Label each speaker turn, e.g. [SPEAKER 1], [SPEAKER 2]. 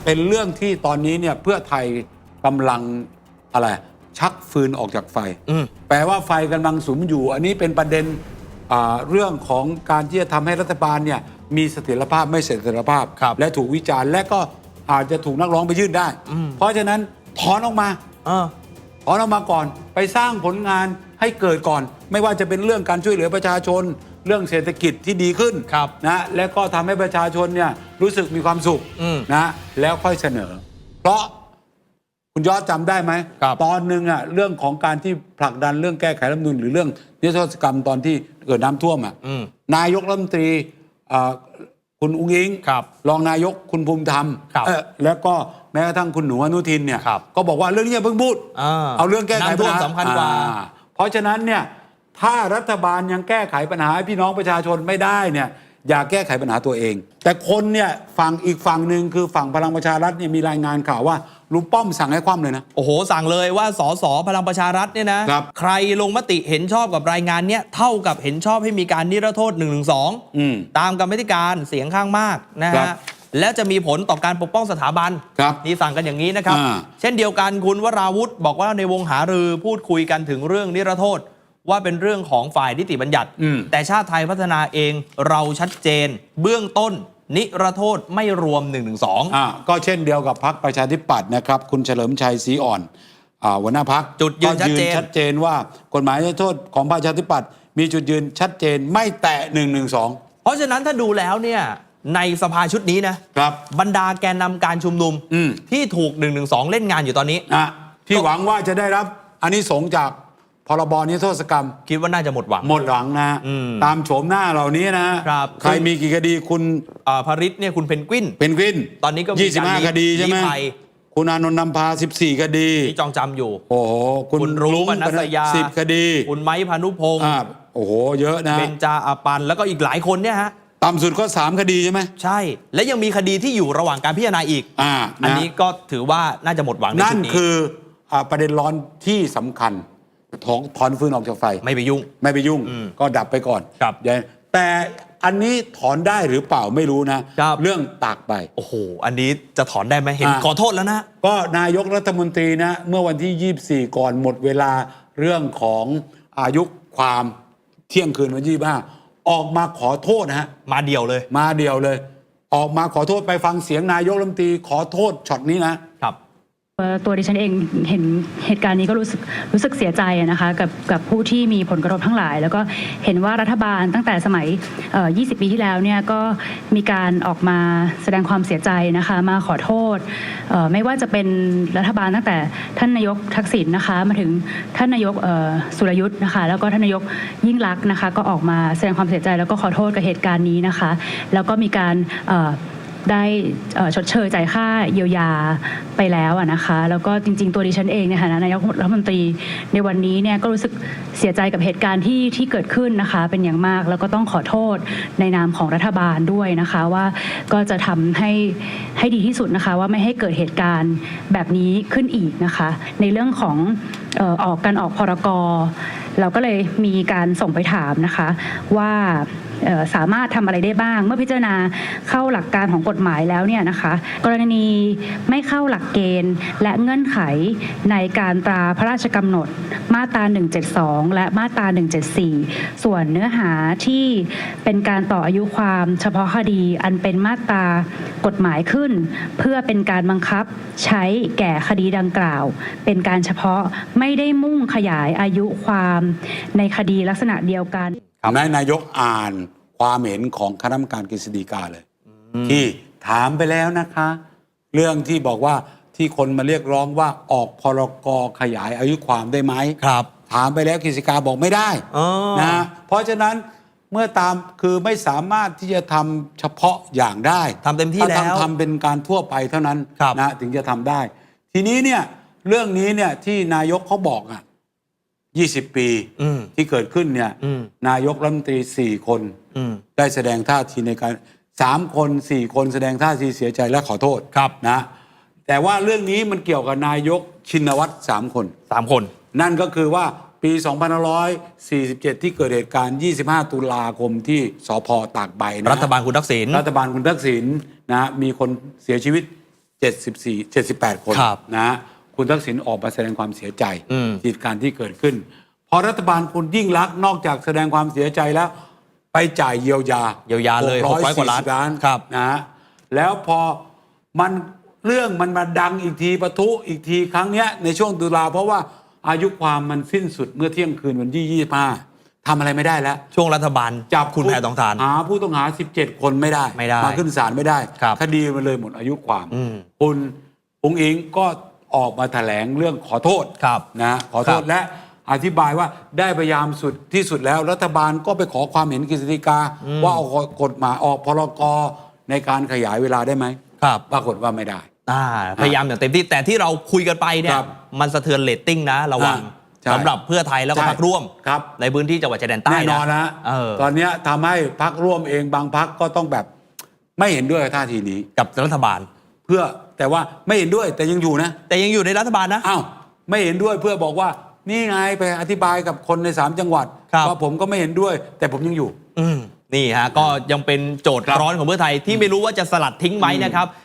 [SPEAKER 1] เป็นเรื่องที่ตอนนี้เนี่ยเพื่อไทยกำลังอะไรชักฟืนออกจากไฟแปลว่าไฟกำลังสุมอยู่อันนี้เป็นประเด็นเรื่องของการที่จะทำให้รัฐบาลเนี่ยมีเสถียรภาพไม่เสถียรภาพและถูกวิจารณ์และก็อาจจะถูกนักร้องไปยื่นได้เพราะฉะนั้นถอนออกมาถอนออกมาก่อนไปสร้างผลงานให้เกิดก่อนไม่ว่าจะเป็นเรื่องการช่วยเหลือประชาชนเรื่องเศรษฐกิจที่ดีขึ้นนะและก็ทำให้ประชาชนเนี่ยรู้สึกมีความสุขนะแล้วค่อยเสนอเพราะคุณยอดจำได้ไหมตอนหนึ่งอ่ะเรื่องของการที่ผลักดันเรื่องแก้ไขรัฐธรรมนูญหรือเรื่องนิรโทษกรรมตอนที่เกิดน้ำท่วมอ่ะนายกรัฐมนตรีคุณอุ้งอิงรองนายกคุณภูมิธรรมแล้วก็แม้กระทั่งคุณหนูอนุทินเนี่ยก็บอกว่าเรื่องนี้อย่าเพิ่งพูดเอาเรื่องแก้ไขปัญหา
[SPEAKER 2] สำคัญกว่า
[SPEAKER 1] เพราะฉะนั้นเนี่ยถ้ารัฐบาลยังแก้ไขปัญหาให้พี่น้องประชาชนไม่ได้เนี่ยอย่าแก้ไขปัญหาตัวเองแต่คนเนี่ยฝั่งอีกฝั่งหนึ่งคือฝั่งพลังประชารัฐเนี่ยมีรายงานข่าวว่าลุงป้อมสั่งให้คว่ำเลยนะ
[SPEAKER 2] โอ้โหสั่งเลยว่าสสพลังประชารัฐเนี่ยนะใครลงมติเห็นชอบกับรายงานเนี้ยเท่ากับเห็นชอบให้มีการนิรโทษ112ตามกรรมาธิการเสียงข้างมากนะฮะและจะมีผลต่อการปกป้องสถาบันนี่สั่งกันอย่างนี้นะครับเช่นเดียวกันคุณวราวุธบอกว่าในวงหารือพูดคุยกันถึงเรื่องนิรโทษว่าเป็นเรื่องของฝ่ายนิติบัญญัติแต่ชาติไทยพัฒนาเองเราชัดเจนเบื้องต้นนิรโทษไม่รวม112
[SPEAKER 1] ก็เช่นเดียวกับพรรคประชาธิปัตย์นะครับคุณเฉลิมชัยศรีอ่อนหัวหน้าพรรค
[SPEAKER 2] จุดยืน
[SPEAKER 1] ชัดเจนว่ากฎหมายนิรโทษของประชาธิปัตย์มีจุดยืนชัดเจนไม่แตะ112
[SPEAKER 2] เพราะฉะนั้นถ้าดูแล้วเนี่ยในสภาชุดนี้นะครับบรรดาแกนนำการชุมนุมที่ถูก112เล่นงานอยู่ตอนนี้
[SPEAKER 1] ที่หวังว่าจะได้รับอานิสงส์จากพรบนิรโทษกรรม
[SPEAKER 2] คิดว่าน่าจะหมดห
[SPEAKER 1] วังนะตามโฉมหน้าเหล่านี้นะใครมีกี่คดีคุณ
[SPEAKER 2] ภริษเนี่ยคุณเพนกวินตอนนี้ก็
[SPEAKER 1] มี25คดีใช่ไหมคุณอานนท์นำพา14คดี
[SPEAKER 2] ที่จองจำอยู่
[SPEAKER 1] โอ้โหคุณรุ้งปนัสยา10คดี
[SPEAKER 2] คุณไม้พานุพงศ์
[SPEAKER 1] โอ้โหเยอะนะ
[SPEAKER 2] เบญจาอาปันแล้วก็อีกหลายคนเนี่ยฮะ
[SPEAKER 1] ต่ำสุดก็3คดีใช่ไหม
[SPEAKER 2] ใช่และยังมีคดีที่อยู่ระหว่างการพิจารณาอีกอันนี้ก็ถือว่าน่าจะหมดหวังในชุดนี้
[SPEAKER 1] นั่นคือประเด็นร้อนที่สำคัญถอนฟืนออกจากไฟ
[SPEAKER 2] ไม่ไปยุ่ง
[SPEAKER 1] ก็ดับไปก่อนแต่อันนี้ถอนได้หรือเปล่าไม่รู้นะเรื่องตากใบ
[SPEAKER 2] โอ้โหอันนี้จะถอนได้ไหมเห็นขอโทษแล้วนะ
[SPEAKER 1] ก็นายกรัฐมนตรีนะเมื่อวันที่24ก่อนหมดเวลาเรื่องของอายุความเที่ยงคืนวัน25ออกมาขอโทษนะฮะ
[SPEAKER 2] มาเดียวเลย
[SPEAKER 1] ออกมาขอโทษไปฟังเสียงนายกรัฐมนตรีขอโทษช็อตนี้นะครับ
[SPEAKER 3] ตัวดิฉันเองเห็นเหตุการณ์นี้ก็รู้สึกเสียใจนะคะกับผู้ที่มีผลกระทบทั้งหลายแล้วก็เห็นว่ารัฐบาลตั้งแต่สมัย20 ปีที่แล้วเนี่ยก็มีการออกมาแสดงความเสียใจนะคะมาขอโทษไม่ว่าจะเป็นรัฐบาลตั้งแต่ท่านนายกทักษิณนะคะมาถึงท่านนายกสุรยุทธ์นะคะแล้วก็ท่านนายกยิ่งลักษณ์นะคะก็ออกมาแสดงความเสียใจแล้วก็ขอโทษกับเหตุการณ์นี้นะคะแล้วก็มีการได้ชดเชยจ่ายค่าเยียวยาไปแล้วนะคะแล้วก็จริงๆตัวดิฉันเองในฐานะนายกรัฐมนตรีในวันนี้เนี่ยก็รู้สึกเสียใจกับเหตุการณ์ที่เกิดขึ้นนะคะเป็นอย่างมากแล้วก็ต้องขอโทษในนามของรัฐบาลด้วยนะคะว่าก็จะทำให้ดีที่สุดนะคะว่าไม่ให้เกิดเหตุการณ์แบบนี้ขึ้นอีกนะคะในเรื่องของการออกพรก.เราก็เลยมีการส่งไปถามนะคะว่าสามารถทำอะไรได้บ้างเมื่อพิจารณาเข้าหลักการของกฎหมายแล้วเนี่ยนะคะกรณีไม่เข้าหลักเกณฑ์และเงื่อนไขในการตราพระราชกำหนดมาตรา172และมาตรา174ส่วนเนื้อหาที่เป็นการต่ออายุความเฉพาะคดีอันเป็นมาตรากฎหมายขึ้นเพื่อเป็นการบังคับใช้แก่คดีดังกล่าวเป็นการเฉพาะไม่ได้มุ่งขยายอายุความในคดีลักษณะเดียวกัน
[SPEAKER 1] นายกอ่านความเห็นของคณะกรรมการกฤษฎีกาเลยที่ถามไปแล้วนะคะเรื่องที่บอกว่าที่คนมาเรียกร้องว่าออกพรกขยายอายุความได้ไหม
[SPEAKER 2] ครับ
[SPEAKER 1] ถามไปแล้วกฤษฎีกาบอกไม่ได้นะเพราะฉะนั้นเมื่อตามคือไม่สามารถที่จะทำเฉพาะอย่างได้
[SPEAKER 2] ทำเต็มที่แล้ว
[SPEAKER 1] ทำเป็นการทั่วไปเท่านั้นนะถึงจะทำได้ทีนี้เนี่ยเรื่องนี้เนี่ยที่นายกเขาบอก20 ปีที่เกิดขึ้นเนี่ยนายกรัฐมนตรี4 คนได้แสดงท่าทีในการ3 คน 4 คนแสดงท่าทีเสียใจและขอโทษนะแต่ว่าเรื่องนี้มันเกี่ยวกับนายกชินวัตร3 คนนั่นก็คือว่าปี2547ที่เกิดเหตุการณ์25 ตุลาคมที่สภ.ตากใบนะ
[SPEAKER 2] รัฐบาลคุณทักษิณ
[SPEAKER 1] นะมีคนเสียชีวิต 78 คนนะฮะคุณทักษิณออกมาแสดงความเสียใจเหตุการณ์ที่เกิดขึ้นพอรัฐบาลคุณยิ่งลักษณ์นอกจากแสดงความเสียใจแล้วไปจ่ายเยียวยา
[SPEAKER 2] เลย600 กว่าล้าน
[SPEAKER 1] นะฮะแล้วพอมันเรื่องมันมาดังอีกทีปะทุอีกทีครั้งเนี้ยในช่วงตุลาเพราะว่าอายุความมันสิ้นสุดเมื่อเที่ยงคืนวันที่25ทำอะไรไม่ได้แล้ว
[SPEAKER 2] ช่วงรัฐบาล
[SPEAKER 1] จับ
[SPEAKER 2] คุณแพทองธาร
[SPEAKER 1] หาผู้ต้องหา17 คนไม่ได้มาขึ้นศาลไม่ได้คดีมันเลยหมดอายุความคุณองค์อิงก็ออกมาแถลงเรื่องขอโทษนะขอโทษและอธิบายว่าได้พยายามสุดที่สุดแล้วรัฐบาลก็ไปขอความเห็นกฤษฎีกาว่าเอากฎหมายออกพรกในการขยายเวลาได้ไหมปรากฏว่าไม่ได้
[SPEAKER 2] พยายามอย่างเต็มที่แต่ที่เราคุยกันไปเนี่ยมันสะเทือนเรตติ้งนะระวังสำหรับเพื่อไทยแล้วก็พรรคร่วมในพื้นที่จังหวัดชายแดนใต้
[SPEAKER 1] แน่นอนนะตอนนี้ทำให้พรรคร่วมเองบางพรรคก็ต้องแบบไม่เห็นด้วยท่าทีนี้
[SPEAKER 2] กับรัฐบาล
[SPEAKER 1] เพื่อแต่ว่าไม่เห็นด้วยแต่ยังอยู่นะ
[SPEAKER 2] แต่ยังอยู่ในรัฐบาลนะ
[SPEAKER 1] อ้าวไม่เห็นด้วยเพื่อบอกว่านี่ไงไปอธิบายกับคนใน3จังหวัดว่าผมก็ไม่เห็นด้วยแต่ผมยังอยู่
[SPEAKER 2] นี่ฮะก็ยังเป็นโจทย์ร้อนของเพื่อไทยที่ไม่รู้ว่าจะสลัดทิ้งไหมนะครับ